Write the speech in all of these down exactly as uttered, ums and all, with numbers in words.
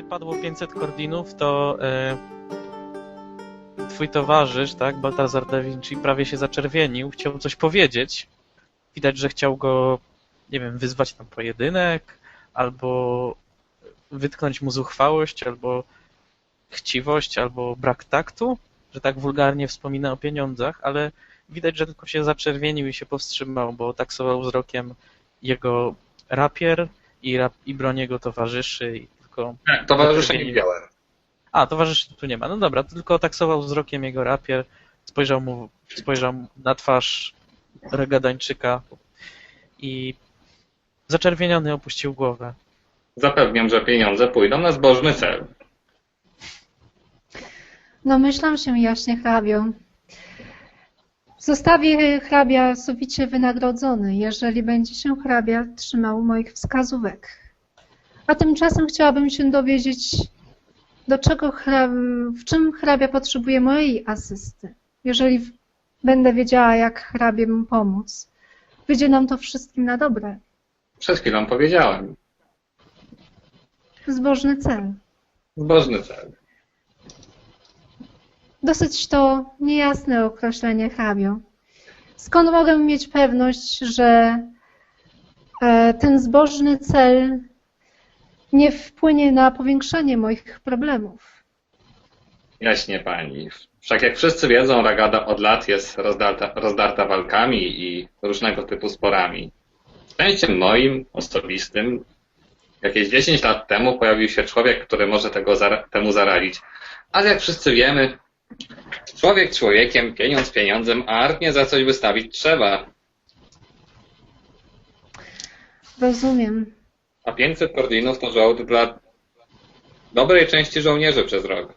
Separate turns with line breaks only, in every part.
padło pięćset kordinów, to e, twój towarzysz, tak, Baltazar da Vinci, prawie się zaczerwienił, chciał coś powiedzieć. Widać, że chciał go, nie wiem, wyzwać na pojedynek, albo wytknąć mu zuchwałość, albo chciwość, albo brak taktu, że tak wulgarnie wspomina o pieniądzach, ale widać, że tylko się zaczerwienił i się powstrzymał, bo taksował wzrokiem jego rapier i, rap, i broń jego towarzyszy. I tylko
tak, towarzysze nie widziałem.
A, towarzyszy tu nie ma. No dobra, to tylko taksował wzrokiem jego rapier, spojrzał mu spojrzał na twarz Regadańczyka i zaczerwieniony opuścił głowę.
Zapewniam, że pieniądze pójdą na zbożny cel.
Domyślam się jaśnie, hrabio. Zostawię hrabia sowicie wynagrodzony, jeżeli będzie się hrabia trzymał moich wskazówek. A tymczasem chciałabym się dowiedzieć, do czego hrab... w czym hrabia potrzebuje mojej asysty. Jeżeli w... będę wiedziała, jak hrabie mu pomóc, wyjdzie nam to wszystkim na dobre.
Przed chwilą powiedziałem.
Zbożny cel.
Zbożny cel.
Dosyć to niejasne określenie, hrabio. Skąd mogę mieć pewność, że ten zbożny cel nie wpłynie na powiększenie moich problemów?
Jaśnie pani. Wszak jak wszyscy wiedzą, Ragada od lat jest rozdarta, rozdarta walkami i różnego typu sporami. Szczęściem moim, osobistym, jakieś dziesięć lat temu pojawił się człowiek, który może tego zara temu zaradzić. Ale jak wszyscy wiemy, człowiek człowiekiem, pieniądz pieniądzem, a armię za coś wystawić trzeba.
Rozumiem.
A pięćset kordinów to żołd dla dobrej części żołnierzy przez rok.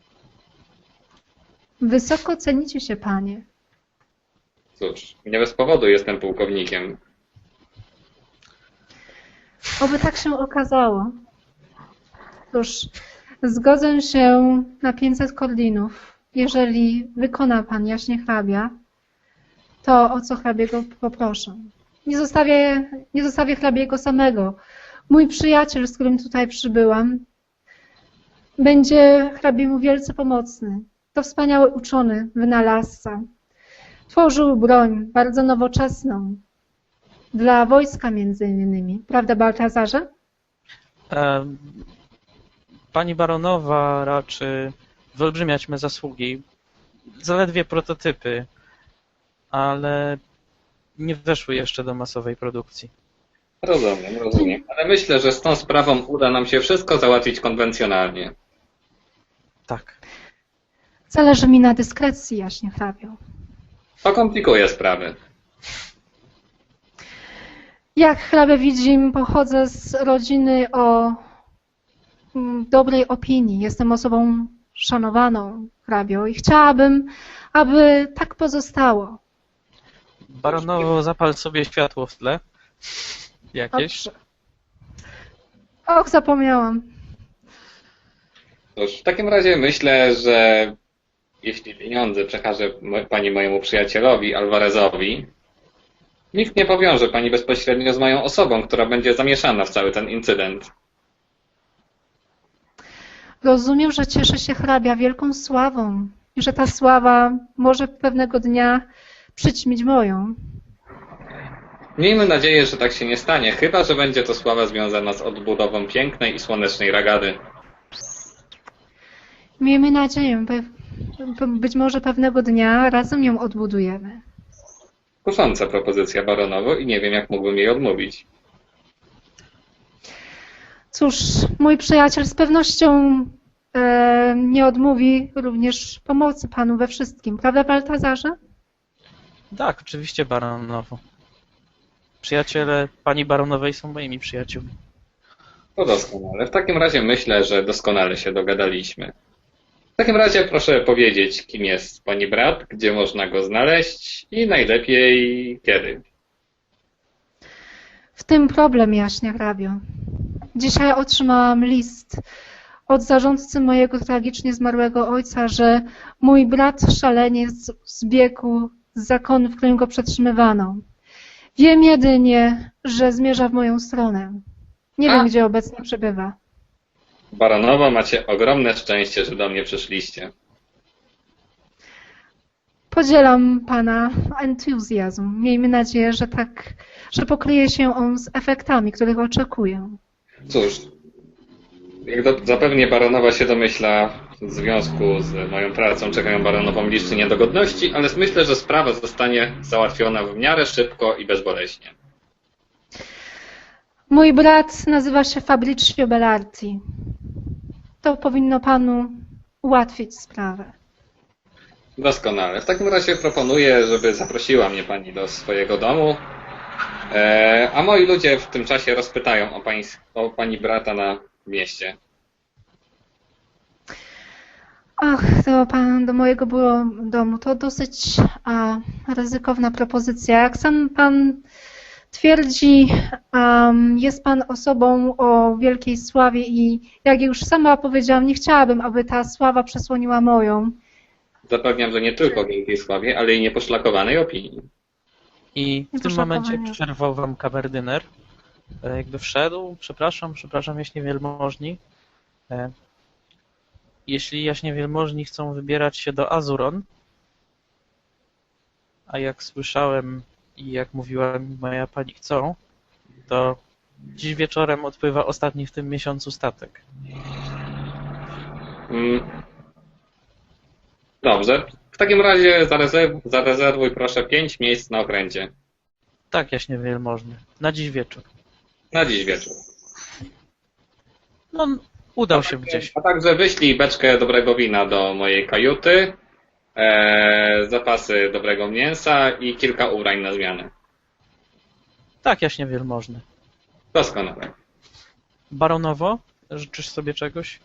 Wysoko cenicie się, panie.
Cóż, nie bez powodu jestem pułkownikiem.
Oby tak się okazało. Cóż, zgodzę się na pięćset kordinów. Jeżeli wykona pan jaśnie hrabia, to o co hrabiego poproszę. Nie zostawię, nie zostawię hrabiego samego. Mój przyjaciel, z którym tutaj przybyłam, będzie hrabiemu wielce pomocny. To wspaniały uczony, wynalazca. Tworzył broń bardzo nowoczesną. Dla wojska między innymi. Prawda, Baltazarze?
Pani baronowa raczy wyolbrzymiać me zasługi. Zaledwie prototypy, ale nie weszły jeszcze do masowej produkcji.
Rozumiem, rozumiem. Ale myślę, że z tą sprawą uda nam się wszystko załatwić konwencjonalnie.
Tak.
Zależy mi na dyskrecji, jaśnie hrabio.
To komplikuje sprawy.
Jak hrabia widzi, pochodzę z rodziny o dobrej opinii. Jestem osobą szanowaną, hrabio, i chciałabym, aby tak pozostało.
Baronowo, zapal sobie światło w tle. Jakieś?
Dobrze. Och, zapomniałam.
Cóż, w takim razie myślę, że jeśli pieniądze przekaże pani mojemu przyjacielowi, Alvarezowi, nikt nie powiąże pani bezpośrednio z moją osobą, która będzie zamieszana w cały ten incydent.
Rozumiem, że cieszy się hrabia wielką sławą i że ta sława może pewnego dnia przyćmić moją.
Miejmy nadzieję, że tak się nie stanie, chyba że będzie to sława związana z odbudową pięknej i słonecznej Ragady.
Miejmy nadzieję, być może pewnego dnia razem ją odbudujemy.
Kusząca propozycja, baronowo, i nie wiem, jak mógłbym jej odmówić.
Cóż, mój przyjaciel z pewnością e, nie odmówi również pomocy panu we wszystkim. Prawda, Baltazarze?
Tak, oczywiście, baronowo. Przyjaciele pani baronowej są moimi przyjaciółmi.
To doskonale. W takim razie myślę, że doskonale się dogadaliśmy. W takim razie proszę powiedzieć, kim jest pani brat, gdzie można go znaleźć i najlepiej kiedy.
W tym problem, jaśnie hrabio. Dzisiaj otrzymałam list od zarządcy mojego tragicznie zmarłego ojca, że mój brat szaleniec zbiegł z zakonu, w którym go przetrzymywano. Wiem jedynie, że zmierza w moją stronę. Nie
A?
wiem, gdzie obecnie przebywa.
Baronowo, macie ogromne szczęście, że do mnie przyszliście.
Podzielam pana entuzjazm. Miejmy nadzieję, że tak, że pokryje się on z efektami, których oczekuję.
Cóż, jak do, zapewnie baronowa się domyśla, w związku z moją pracą czekają baronową liczne niedogodności, ale myślę, że sprawa zostanie załatwiona w miarę szybko i bezboleśnie.
Mój brat nazywa się Fabricio Bellarti. To powinno panu ułatwić sprawę.
Doskonale. W takim razie proponuję, żeby zaprosiła mnie pani do swojego domu, e, a moi ludzie w tym czasie rozpytają o pani, o pani brata na mieście.
Ach, to pan do mojego było domu. To dosyć a, ryzykowna propozycja. Jak sam pan twierdzi, um, jest pan osobą o wielkiej sławie i jak już sama powiedziałam, nie chciałabym, aby ta sława przesłoniła moją.
Zapewniam, że nie tylko wielkiej sławie, ale i nieposzlakowanej opinii.
I w tym momencie przerwał wam kamerdyner. E, Jakby wszedł, przepraszam, przepraszam, jaśnie wielmożni. E, Jeśli jaśnie wielmożni chcą wybierać się do Azuron, a jak słyszałem i jak mówiła mi moja pani chcą, to dziś wieczorem odpływa ostatni w tym miesiącu statek.
Mm. Dobrze. W takim razie zarezerwuj, zarezerwuj proszę pięć miejsc na okręcie.
Tak, jaśnie wielmożny. Na dziś wieczór.
Na dziś wieczór.
No, udał się gdzieś.
A także wyślij beczkę dobrego wina do mojej kajuty, e, zapasy dobrego mięsa i kilka ubrań na zmianę.
Tak, jaśnie wielmożny.
Doskonale.
Baronowo, życzysz sobie czegoś?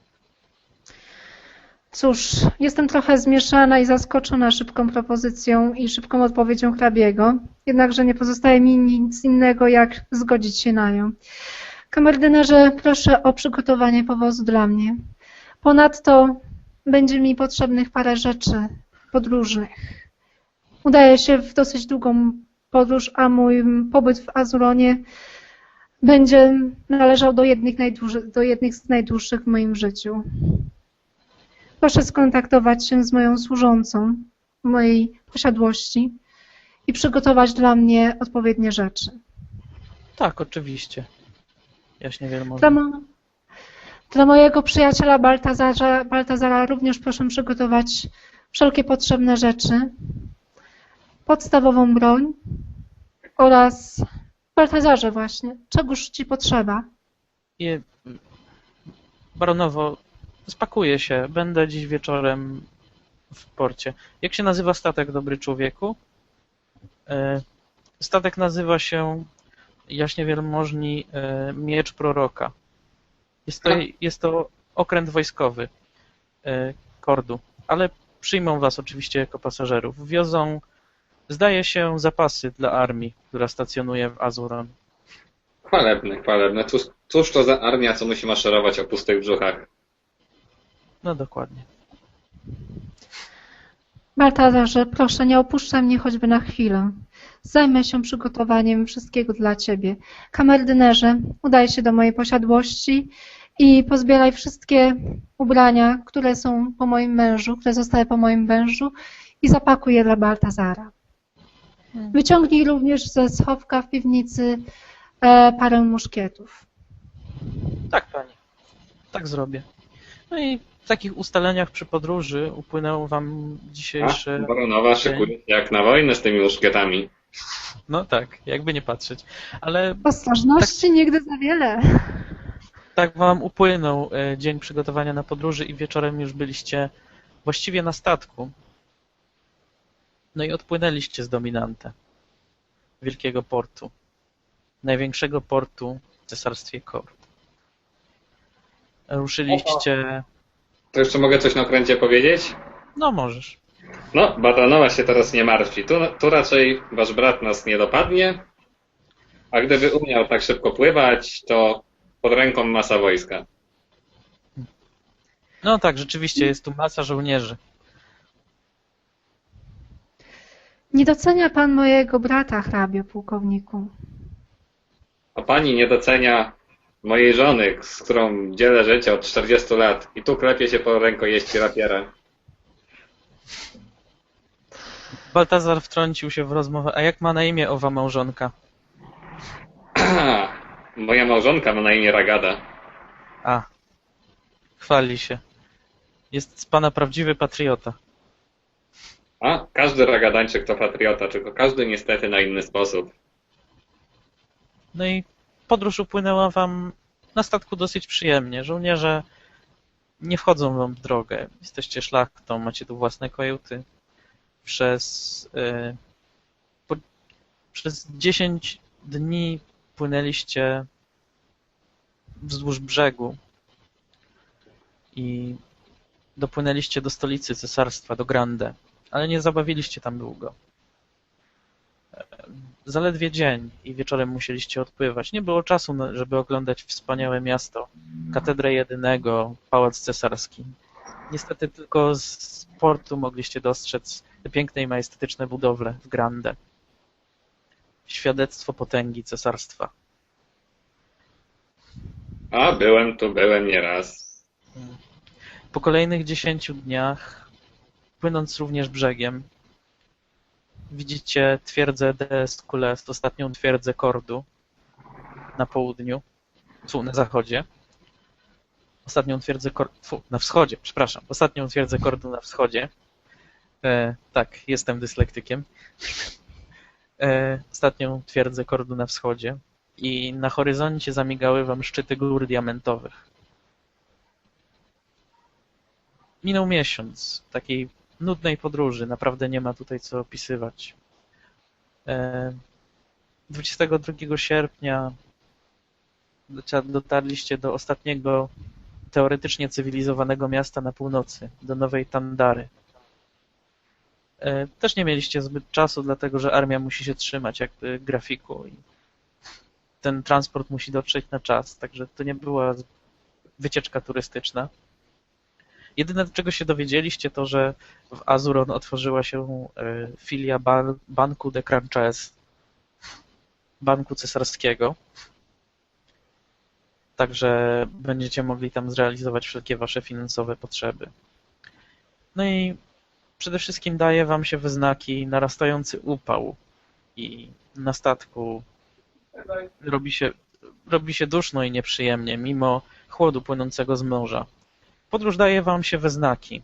Cóż, jestem trochę zmieszana i zaskoczona szybką propozycją i szybką odpowiedzią hrabiego, jednakże nie pozostaje mi nic innego, jak zgodzić się na nią. Kamerdynerze, proszę o przygotowanie powozu dla mnie. Ponadto będzie mi potrzebnych parę rzeczy podróżnych. Udaję się w dosyć długą podróż, a mój pobyt w Azuronie będzie należał do jednych, do jednych z najdłuższych w moim życiu. Proszę skontaktować się z moją służącą w mojej posiadłości i przygotować dla mnie odpowiednie rzeczy.
Tak, oczywiście. Jaśnie wielmożny.
Dla, mo dla mojego przyjaciela Baltazara, Baltazara również proszę przygotować wszelkie potrzebne rzeczy, podstawową broń oraz Baltazarze właśnie, czegoż ci potrzeba.
I, baronowo, spakuję się. Będę dziś wieczorem w porcie. Jak się nazywa statek, dobry człowieku? E, Statek nazywa się jaśnie wielmożni e, Miecz Proroka. Jest to, jest to okręt wojskowy e, Kordu, ale przyjmą was oczywiście jako pasażerów. Wiozą, zdaje się, zapasy dla armii, która stacjonuje w Azuron.
Chwalebne, chwalebne. Cóż, cóż to za armia, co musi maszerować o pustych brzuchach?
No dokładnie.
Baltazarze, proszę, nie opuszczaj mnie choćby na chwilę. Zajmę się przygotowaniem wszystkiego dla ciebie. Kamerdynerze, udaj się do mojej posiadłości i pozbieraj wszystkie ubrania, które są po moim mężu, które zostały po moim mężu i zapakuj je dla Baltazara. Wyciągnij również ze schowka w piwnicy e, parę muszkietów.
Tak, pani. Tak zrobię. No i w takich ustaleniach przy podróży upłynęło wam dzisiejszy...
A, baronowa szykuje się jak na wojnę z tymi muszkietami.
No tak, jakby nie patrzeć. Ale
Ostrożności tak, nigdy za wiele.
Tak wam upłynął dzień przygotowania na podróży i wieczorem już byliście właściwie na statku. No i odpłynęliście z Dominante, wielkiego portu, największego portu w cesarstwie Kord. Ruszyliście...
To jeszcze mogę coś na okręcie powiedzieć?
No możesz.
No, baronowa się teraz nie martwi. Tu, tu raczej wasz brat nas nie dopadnie, a gdyby umiał tak szybko pływać, to pod ręką masa wojska.
No tak, rzeczywiście jest tu masa żołnierzy.
Nie docenia pan mojego brata, hrabio pułkowniku.
A pani nie docenia mojej żony, z którą dzielę życie od czterdziestu lat i tu klepie się po rękojeści rapiera.
Baltazar wtrącił się w rozmowę. A jak ma na imię owa małżonka?
Moja małżonka ma na imię Ragada.
A, chwali się. Jest z pana prawdziwy patriota.
A, każdy Ragadańczyk to patriota, tylko każdy niestety na inny sposób.
No i podróż upłynęła wam na statku dosyć przyjemnie. Żołnierze nie wchodzą wam w drogę. Jesteście szlachtą, macie tu własne kajuty. Przez, yy, po, przez dziesięć dni płynęliście wzdłuż brzegu i dopłynęliście do stolicy cesarstwa, do Grande, ale nie zabawiliście tam długo. Zaledwie dzień i wieczorem musieliście odpływać. Nie było czasu, żeby oglądać wspaniałe miasto, katedrę jedynego, pałac cesarski. Niestety tylko z portu mogliście dostrzec te piękne i majestatyczne budowle w Grande. Świadectwo potęgi cesarstwa.
A, byłem tu, byłem nieraz.
Po kolejnych dziesięciu dniach, płynąc również brzegiem, widzicie twierdzę d'Escoulest, ostatnią twierdzę Kordu na południu, tu na zachodzie. Ostatnią twierdzę Kordu, na wschodzie, przepraszam, ostatnią twierdzę Kordu na wschodzie. E, tak, jestem dyslektykiem. E, ostatnią twierdzę Kordu na wschodzie i na horyzoncie zamigały wam szczyty gór diamentowych. Minął miesiąc takiej nudnej podróży, naprawdę nie ma tutaj co opisywać. dwudziestego drugiego sierpnia dotarliście do ostatniego teoretycznie cywilizowanego miasta na północy, do Nowej Tandary. Też nie mieliście zbyt czasu, dlatego że armia musi się trzymać jakby grafiku i ten transport musi dotrzeć na czas, także to nie była wycieczka turystyczna. Jedyne, czego się dowiedzieliście, to, że w Azuron otworzyła się filia ban Banku de Cranches, banku cesarskiego. Także będziecie mogli tam zrealizować wszelkie wasze finansowe potrzeby. No i przede wszystkim daje wam się we znaki narastający upał i na statku robi się, robi się duszno i nieprzyjemnie, mimo chłodu płynącego z morza. Podróż daje wam się we znaki.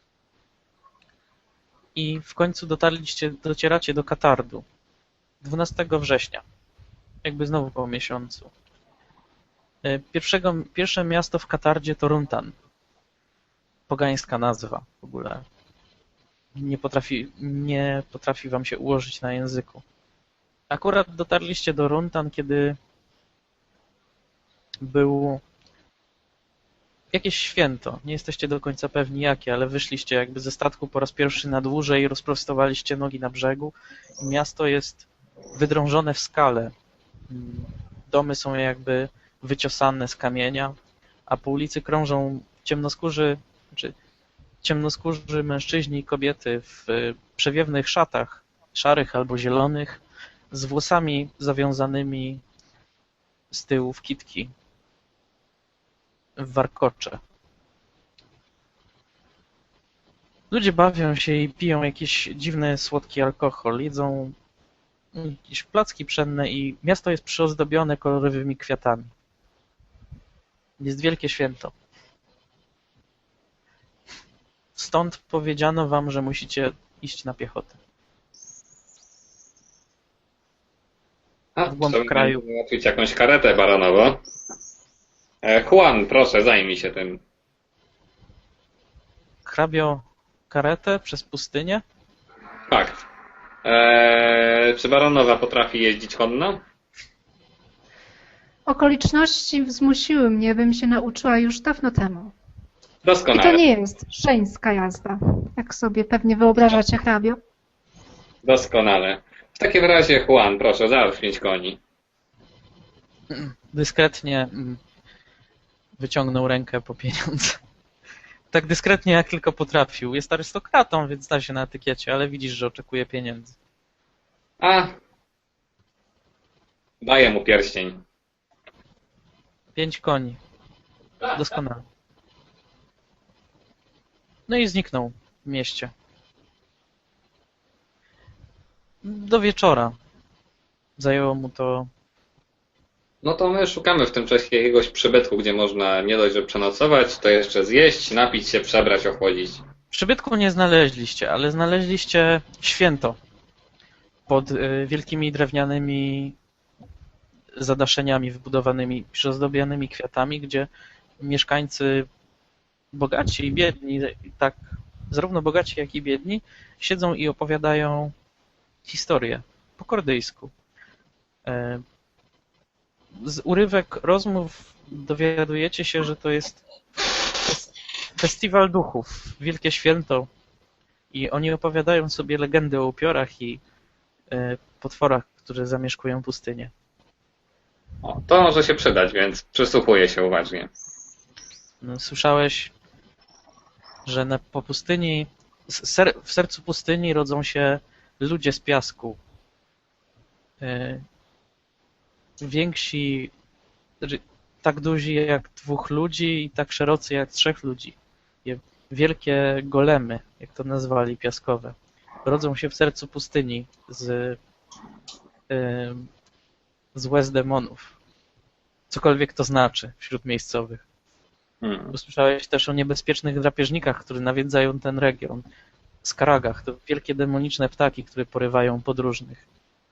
I w końcu dotarliście, docieracie do Katardu. dwunastego września. Jakby znowu po miesiącu. Pierwszego, pierwsze miasto w Katardzie to Runtan. Pogańska nazwa w ogóle. Nie potrafi, nie potrafi wam się ułożyć na języku. Akurat dotarliście do Runtan, kiedy był jakieś święto. Nie jesteście do końca pewni jakie, ale wyszliście jakby ze statku po raz pierwszy na dłużej i rozprostowaliście nogi na brzegu. Miasto jest wydrążone w skale. Domy są jakby wyciosane z kamienia, a po ulicy krążą ciemnoskórzy, znaczy ciemnoskórzy mężczyźni i kobiety w przewiewnych szatach, szarych albo zielonych, z włosami zawiązanymi z tyłu w kitki, w warkocze. Ludzie bawią się i piją jakiś dziwny, słodki alkohol, jedzą jakieś placki pszenne i miasto jest przyozdobione kolorowymi kwiatami. Jest wielkie święto. Stąd powiedziano wam, że musicie iść na piechotę.
A,
W głąb
trzeba
kraju.
załatwić jakąś karetę baronowo. E, Juan, proszę, zajmij się tym.
Hrabio karetę przez pustynię?
Fakt. E, czy baronowa potrafi jeździć konno?
Okoliczności zmusiły mnie, bym się nauczyła już dawno temu. I
Doskonale.
to nie jest szeńska jazda, jak sobie pewnie wyobrażacie, hrabio.
Doskonale. W takim razie, Juan, proszę, załóż pięć koni.
Dyskretnie wyciągnął rękę po pieniądze. Tak dyskretnie, jak tylko potrafił. Jest arystokratą, więc zna się na etykiecie, ale widzisz, że oczekuje pieniędzy.
A, daję mu pierścień.
Pięć koni. Doskonale. No i zniknął w mieście. Do wieczora. Zajęło mu to...
No to my szukamy w tym czasie jakiegoś przybytku, gdzie można nie dość, że przenocować, to jeszcze zjeść, napić się, przebrać, ochłodzić.
Przybytku nie znaleźliście, ale znaleźliście święto pod y, wielkimi drewnianymi zadaszeniami wybudowanymi, przyozdobionymi kwiatami, gdzie mieszkańcy bogaci i biedni, tak zarówno bogaci, jak i biedni, siedzą i opowiadają historię po kordyjsku. E, Z urywek rozmów dowiadujecie się, że to jest festiwal duchów, wielkie święto i oni opowiadają sobie legendy o upiorach i e, potworach, które zamieszkują pustynię.
O, to może się przydać, więc przysłuchuję się uważnie.
No, słyszałeś, że na, po pustyni, ser, w sercu pustyni rodzą się ludzie z piasku. E, więksi, znaczy, tak duzi jak dwóch ludzi i tak szerocy jak trzech ludzi. Je- Wielkie golemy, jak to nazwali, piaskowe. Rodzą się w sercu pustyni z, e, z łez demonów. Cokolwiek to znaczy wśród miejscowych.
Hmm.
Usłyszałeś też o niebezpiecznych drapieżnikach, które nawiedzają ten region. Skaragach to wielkie demoniczne ptaki, które porywają podróżnych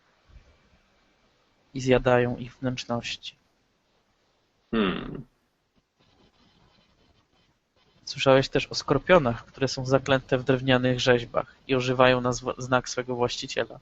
i zjadają ich wnętrzności.
Hmm.
Słyszałeś też o skorpionach, które są zaklęte w drewnianych rzeźbach i ożywają na zwa- znak swego właściciela.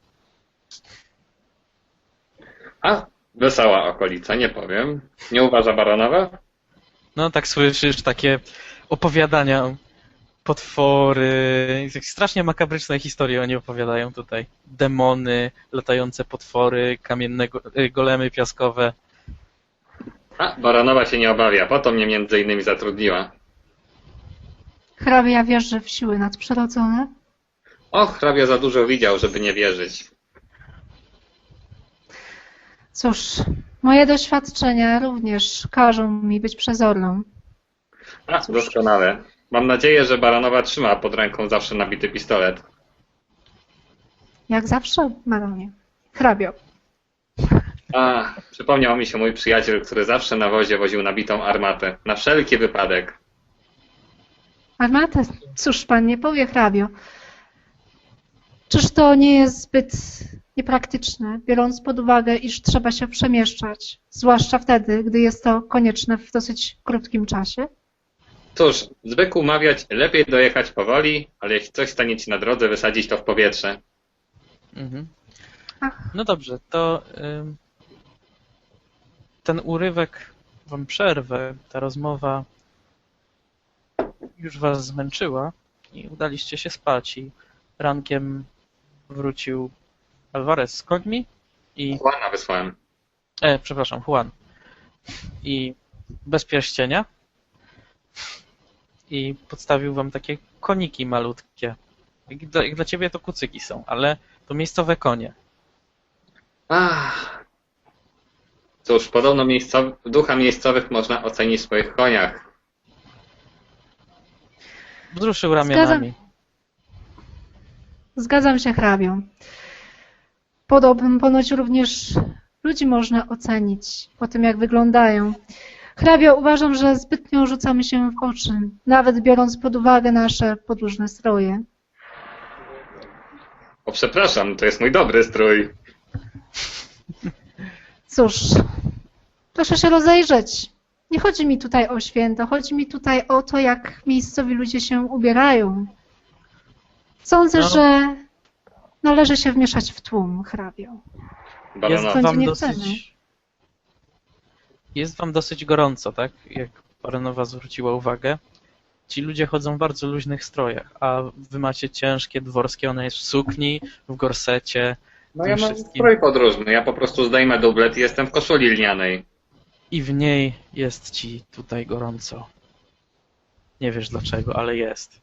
A, wesoła okolica, nie powiem. Nie uważa baronowa?
No tak słyszysz takie opowiadania, potwory, tak strasznie makabryczne historie oni opowiadają tutaj. Demony, latające potwory, kamienne go- y, golemy piaskowe.
A, baronowa się nie obawia, po to mnie między innymi zatrudniła.
Hrabia wierzy w siły nadprzyrodzone.
Och, hrabia za dużo widział, żeby nie wierzyć.
Cóż, moje doświadczenia również każą mi być przezorną.
A, doskonale. Mam nadzieję, że baronowa trzyma pod ręką zawsze nabity pistolet.
Jak zawsze, baronie. Hrabio.
A, przypomniał mi się mój przyjaciel, który zawsze na wozie woził nabitą armatę. Na wszelki wypadek.
Armatę? Cóż pan nie powie, hrabio. Czyż to nie jest zbyt niepraktyczne, biorąc pod uwagę, iż trzeba się przemieszczać, zwłaszcza wtedy, gdy jest to konieczne w dosyć krótkim czasie?
Cóż, zwykł mawiać, lepiej dojechać powoli, ale jeśli coś stanie ci na drodze, wysadzić to w powietrze.
Mhm.
Ach,
No dobrze, to ym, ten urywek wam przerwę, ta rozmowa już was zmęczyła i udaliście się spać i rankiem wrócił Alvarez z końmi i,
Juana wysłałem.
e, przepraszam, Juan i bez pierścienia i podstawił wam takie koniki malutkie. Jak dla, jak dla ciebie to kucyki są, ale to miejscowe konie.
Ach. Cóż, podobno miejscow... ducha miejscowych można ocenić w swoich koniach.
Wzruszył ramionami.
zgadzam się, hrabio. Podobnym ponoć również ludzi można ocenić po tym, jak wyglądają. Hrabio, uważam, że zbytnio rzucamy się w oczy, nawet biorąc pod uwagę nasze podróżne stroje.
O, przepraszam, to jest mój dobry strój.
Cóż, proszę się rozejrzeć. Nie chodzi mi tutaj o święto, chodzi mi tutaj o to, jak miejscowi ludzie się ubierają. Sądzę,
No.
że należy się wmieszać w tłum, hrabio.
Jest
Baronowa.
Sądzi
wam
nie
dosyć...
chcemy.
Jest wam dosyć gorąco, tak? Jak Baronowa zwróciła uwagę. Ci ludzie chodzą w bardzo luźnych strojach, a wy macie ciężkie, dworskie, ona jest w sukni, w gorsecie.
No
tym
ja mam
wszystkim.
strój podróżny, ja po prostu zdejmę dublet i jestem w koszuli lnianej.
I w niej jest ci tutaj gorąco. Nie wiesz dlaczego, ale jest.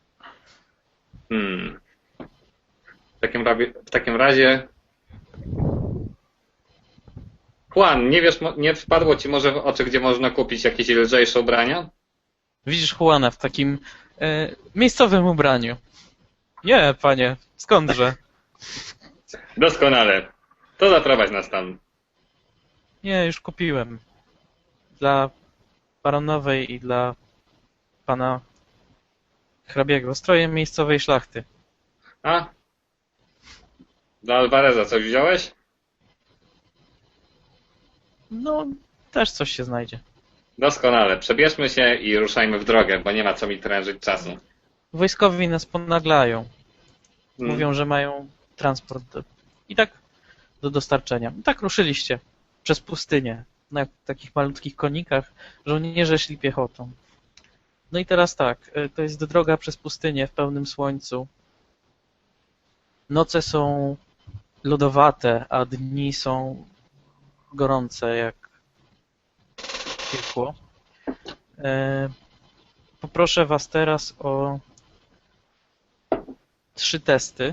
Hmm. W takim, razie, w takim razie Juan, nie wiesz, mo- nie wpadło ci może w oczy, gdzie można kupić jakieś lżejsze ubrania?
Widzisz Juana w takim e, miejscowym ubraniu. Nie, panie, skądże?
Doskonale. To zaprowadź nas tam.
Nie, już kupiłem. Dla baronowej i dla pana hrabiego. Stroje miejscowej szlachty.
A? Dla Alvareza coś wziąłeś?
No, też coś się znajdzie.
Doskonale. Przebierzmy się i ruszajmy w drogę, bo nie ma co mi trężyć czasu.
Wojskowi nas ponaglają.
Mm.
Mówią, że mają transport do, i tak do dostarczenia. I tak ruszyliście przez pustynię na takich malutkich konikach. Żołnierze szli piechotą. No i teraz tak, y, to jest droga przez pustynię w pełnym słońcu. Noce są lodowate, a dni są gorące jak piekło. E, Poproszę was teraz o trzy testy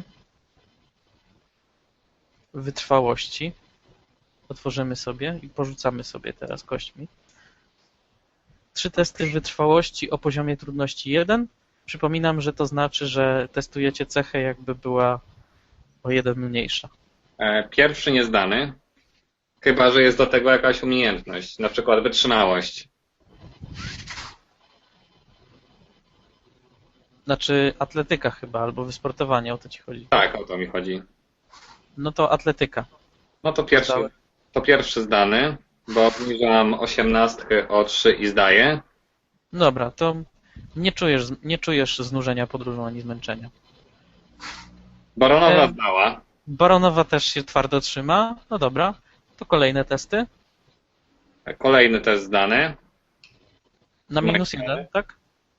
wytrwałości. Otworzymy sobie i porzucamy sobie teraz kośćmi. Trzy testy wytrwałości o poziomie trudności jeden. Przypominam, że to znaczy, że testujecie cechę, jakby była o jeden mniejsza.
E, Pierwszy niezdany. Chyba że jest do tego jakaś umiejętność, na przykład wytrzymałość.
Znaczy atletyka chyba, albo wysportowanie, o to ci chodzi.
Tak, o to mi chodzi.
No to atletyka.
No to pierwszy,
Zdałem.
to pierwszy zdany, bo obniżam osiemnastkę o trzy i zdaję.
Dobra, to nie czujesz, nie czujesz znużenia podróżą ani zmęczenia.
Baronowa
E,
zdała.
Baronowa też się twardo trzyma. No dobra, to kolejne testy.
Kolejny test zdany.
Na minus jeden, tak?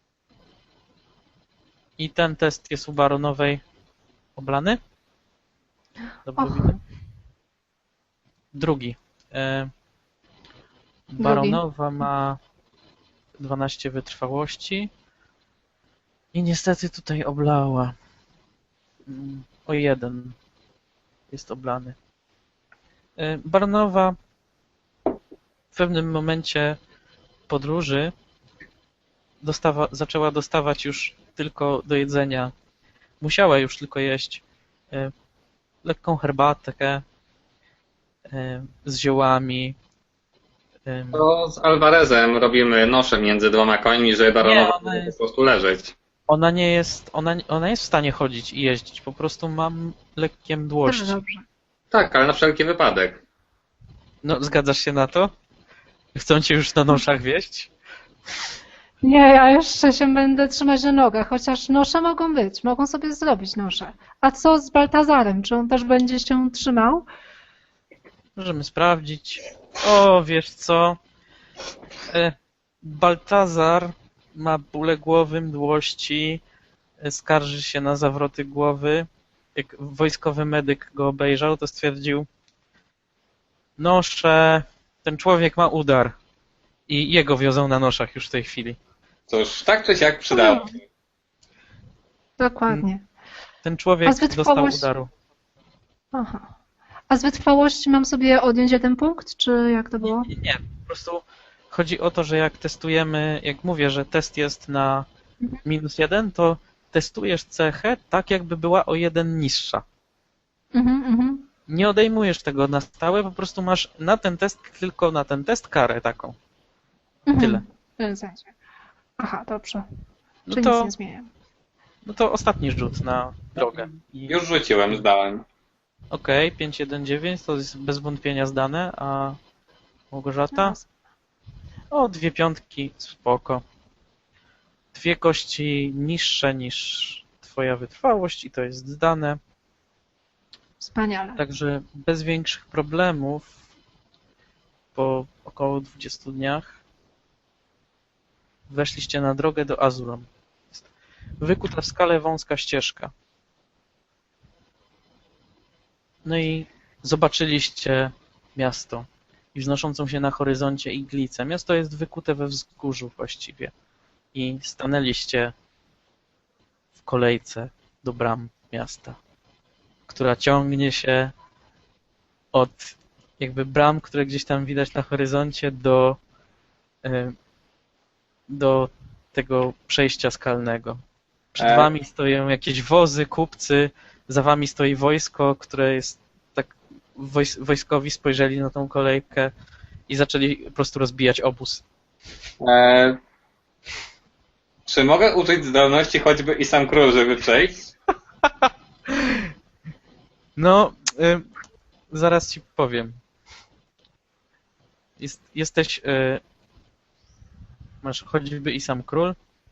I ten test jest u Baronowej oblany. Dobrze
Och.
widzę? Drugi. E, Baronowa ma dwanaście wytrwałości. I niestety tutaj oblała. Mm, O jeden jest oblany. E, Baronowa w pewnym momencie podróży dostawa, zaczęła dostawać już tylko do jedzenia. Musiała już tylko jeść e, lekką herbatkę e, z ziołami. E,
To z Alvarezem robimy nosze między dwoma końmi, żeby baronowa
ona
mogła
jest-
po prostu leżeć.
Ona nie jest, ona, ona jest w stanie chodzić i jeździć, po prostu mam lekkie
Też
mdłości.
dobrze.
Tak, ale na wszelki wypadek.
No, zgadzasz się na to? Chcą cię już na noszach wieść?
Nie, ja jeszcze się będę trzymać na nogach, chociaż nosze mogą być, mogą sobie zrobić nosze. A co z Baltazarem? Czy on też będzie się trzymał?
Możemy sprawdzić. O, wiesz co? E, Baltazar ma bóle głowy, mdłości, e, skarży się na zawroty głowy. Jak wojskowy medyk go obejrzał, to stwierdził: nosze, ten człowiek ma udar. I jego wiozą na noszach już w tej chwili.
Cóż, tak czy siak przydało.
Dokładnie.
Ten człowiek
A z
dostał
wytrwałości?
udaru.
Aha. A z wytrwałości mam sobie odjąć jeden punkt, czy jak to było?
Nie, nie, po prostu chodzi o to, że jak testujemy, jak mówię, że test jest na minus jeden, to testujesz cechę tak, jakby była o jeden niższa.
Mhm, mhm.
Nie odejmujesz tego na stałe, po prostu masz na ten test, tylko na ten test karę taką.
Mhm.
Tyle.
W tym sensie. Aha, dobrze.
No
Czy
to,
nic nie zmienia.
no to ostatni rzut na drogę. I-
Już rzuciłem, zdałem.
Okej, pięć jeden dziewięć to jest bez wątpienia zdane, a Małgorzata? O, dwie piątki, spoko. Dwie kości niższe niż twoja wytrwałość i to jest zdane.
Wspaniale.
Także bez większych problemów po około dwudziestu dniach weszliście na drogę do Azuron. Jest wykuta w skale wąska ścieżka. No i zobaczyliście miasto i wznoszącą się na horyzoncie iglicę. Miasto jest wykute we wzgórzu właściwie. I stanęliście w kolejce do bram miasta, która ciągnie się od jakby bram, które gdzieś tam widać na horyzoncie do, e, do tego przejścia skalnego. Przed
E.
wami stoją jakieś wozy, kupcy, za wami stoi wojsko, które jest tak, wojs wojskowi spojrzeli na tą kolejkę i zaczęli po prostu rozbijać obóz.
E, czy mogę użyć zdolności choćby i sam król, żeby przejść?
No, y, zaraz ci powiem. Jest, jesteś... Y, masz choćby i sam król.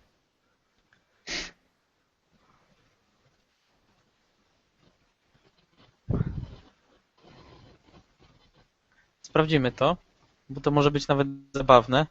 Sprawdzimy to, bo to może być nawet zabawne.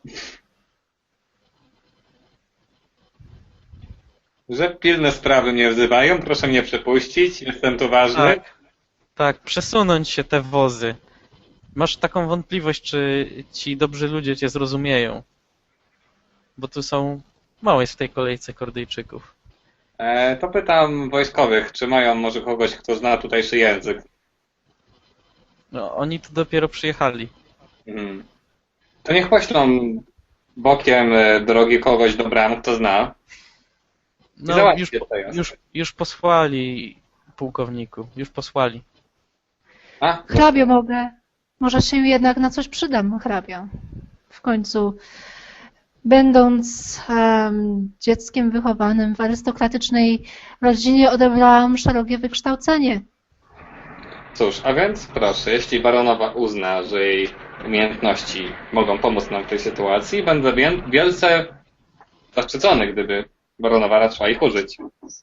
Że pilne sprawy mnie wzywają, proszę mnie przepuścić, jestem tu ważny.
Tak, tak, przesunąć się te wozy. Masz taką wątpliwość, czy ci dobrzy ludzie cię zrozumieją. Bo tu są... Mało jest w tej kolejce Kordyjczyków.
E, to pytam wojskowych, czy mają może kogoś, kto zna tutejszy język.
No, oni tu dopiero przyjechali.
Mhm. To niech poślą bokiem e, drogi kogoś do bram, kto zna.
No,
załatwcie
już,
to jasne.
już, już posłali, pułkowniku, już posłali.
A?
Hrabio mogę. Może się jednak na coś przydam, hrabio. W końcu, będąc em, dzieckiem wychowanym w arystokratycznej rodzinie, odebrałam szerokie wykształcenie.
Cóż, a więc proszę, jeśli baronowa uzna, że jej umiejętności mogą pomóc nam w tej sytuacji, będę wiel- wielce zaszczycony, gdyby baronowa raczyła ich użyć.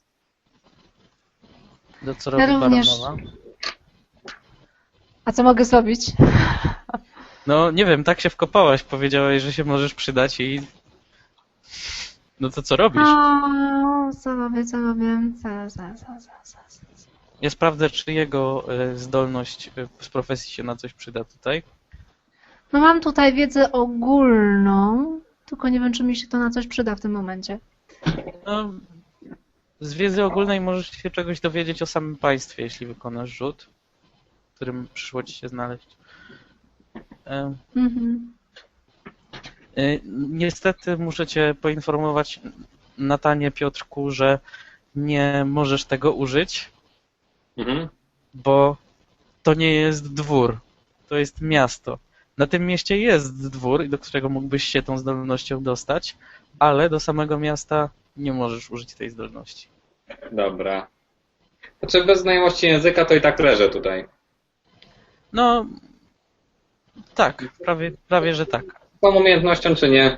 Do co robi
Ja również.
baronowa?
A co mogę zrobić?
No, nie wiem, tak się wkopałaś, powiedziałaś, że się możesz przydać i... No to co robisz?
O, co robię, co robię? Za, za, za, za, za, za.
Ja sprawdzę, czy jego e, zdolność e, z profesji się na coś przyda tutaj.
No mam tutaj wiedzę ogólną, tylko nie wiem, czy mi się to na coś przyda w tym momencie.
No, z wiedzy ogólnej możesz się czegoś dowiedzieć o samym państwie, jeśli wykonasz rzut, w którym przyszło ci się znaleźć. E,
Mhm.
e, Niestety muszę cię poinformować, Natanie, Piotrku, że nie możesz tego użyć,
Mhm.
bo to nie jest dwór, to jest miasto. Na tym mieście jest dwór, do którego mógłbyś się tą zdolnością dostać, ale do samego miasta nie możesz użyć tej zdolności.
Dobra. Znaczy bez znajomości języka to i tak leżę tutaj.
No, tak, prawie, prawie że tak.
Z tą umiejętnością czy nie?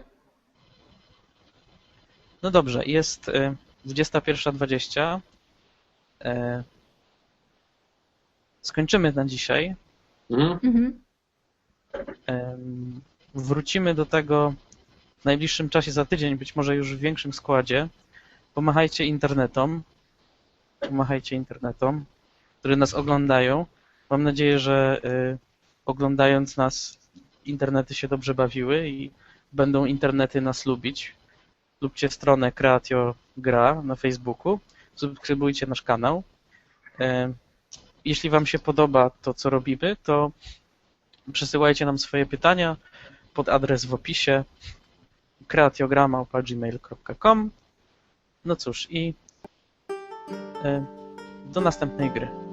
No dobrze, jest y, dwudziesta pierwsza dwadzieścia. E, Skończymy na dzisiaj.
Mhm.
Mhm.
Em, Wrócimy do tego w najbliższym czasie, za tydzień, być może już w większym składzie. Pomachajcie internetom, pomachajcie internetom, które nas oglądają. Mam nadzieję, że y, oglądając nas internety się dobrze bawiły i będą internety nas lubić. Lubcie stronę Kreatio Gra na Facebooku, subskrybujcie nasz kanał. E, Jeśli wam się podoba to, co robimy, to przesyłajcie nam swoje pytania pod adres w opisie kreatiogra małpa gmail kropka com. No cóż, i e, do następnej gry.